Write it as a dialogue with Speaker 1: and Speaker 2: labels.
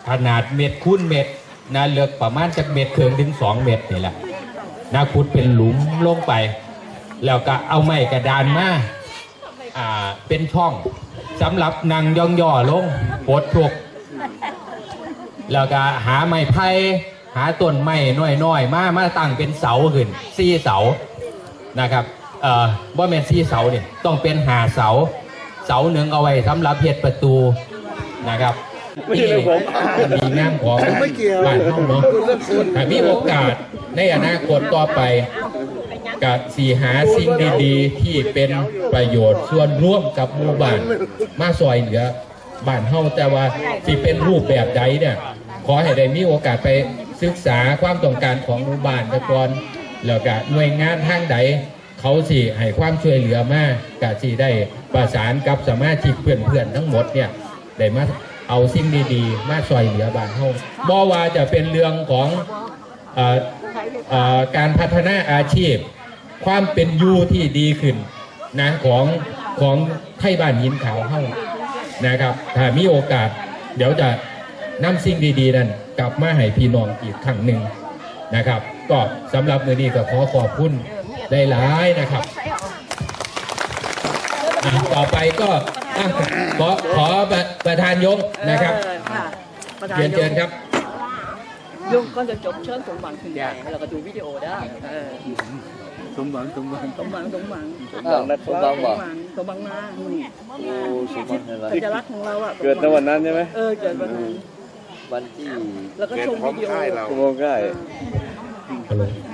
Speaker 1: ขนาดเม็ดคูณเม็ดนะเลือกประมาณจากเม็ดครึ่งถึง2 เม็ดนี่แหละนะขุดเป็นหลุมลงไป แล้วก็เอาไม้กระดานมาเป็นช่องสำหรับนั่งย่อๆลงปลดทุกแล้วก็หาไม้ไผ่หาต้นไม้น้อยๆมาตั้งเป็นเสาขึ้น4 เสานะครับว่าเป็น4 เสาเนี่ยต้องเป็น5 เสาเสาหนึ่งเอาไว้สำหรับเฮ็ดประตูนะครับนี่มีงานของบ้านห้องเนาะถ้ามีโอกาสในอนาคตต่อไปกับสีหาสิ่งดีๆที่เป็นประโยชน์ส่วนร่วมกับหมู่บ้านมาซอยเหลือบ้านเฮาแต่ว่าที่เป็นรูปแบบใดเนี่ยขอให้ได้มีโอกาสไปศึกษาความต้องการของหมู่บ้านก่อนแล้วก็หน่วยงานทางใดเขาสิให้ความช่วยเหลือมากกะสิได้ประสานกับสมาชิกเพื่อนๆทั้งหมดเนี่ยได้มาเอาสิ่งดีๆมาช่วยเหลือบ้านเฮาบ่ว่าจะเป็นเรื่องของการพัฒนาอาชีพความเป็นอยู่ที่ดีขึ้นนะของไทยบ้านหินขาวเฮานะครับถ้ามีโอกาสเดี๋ยวจะนำสิ่งดีๆนั้นกลับมาให้พี่น้องอีกครั้งหนึ่งนะครับก็สำหรับมื้อนี้ก็ขอขอบคุณได้หลายนะครับต่อไปก็ขอประธานยงนะครับเชิญครับ
Speaker 2: ยงก็จะจบเชิญสมหวังขึ้นได้แล้วก็ดูวิดีโอได้
Speaker 3: สมหวัง
Speaker 2: สมหวัง
Speaker 3: สมหวัง
Speaker 2: มาโอ้สมหวังอะไรสัญลักษณ์ของเราอ่ะ
Speaker 3: เกิดในวันนั้นใช่ไหม
Speaker 2: เกิดวันนั้น
Speaker 4: วันที่
Speaker 2: แล้วก็ชมวิดีโอ
Speaker 3: โมงใกล้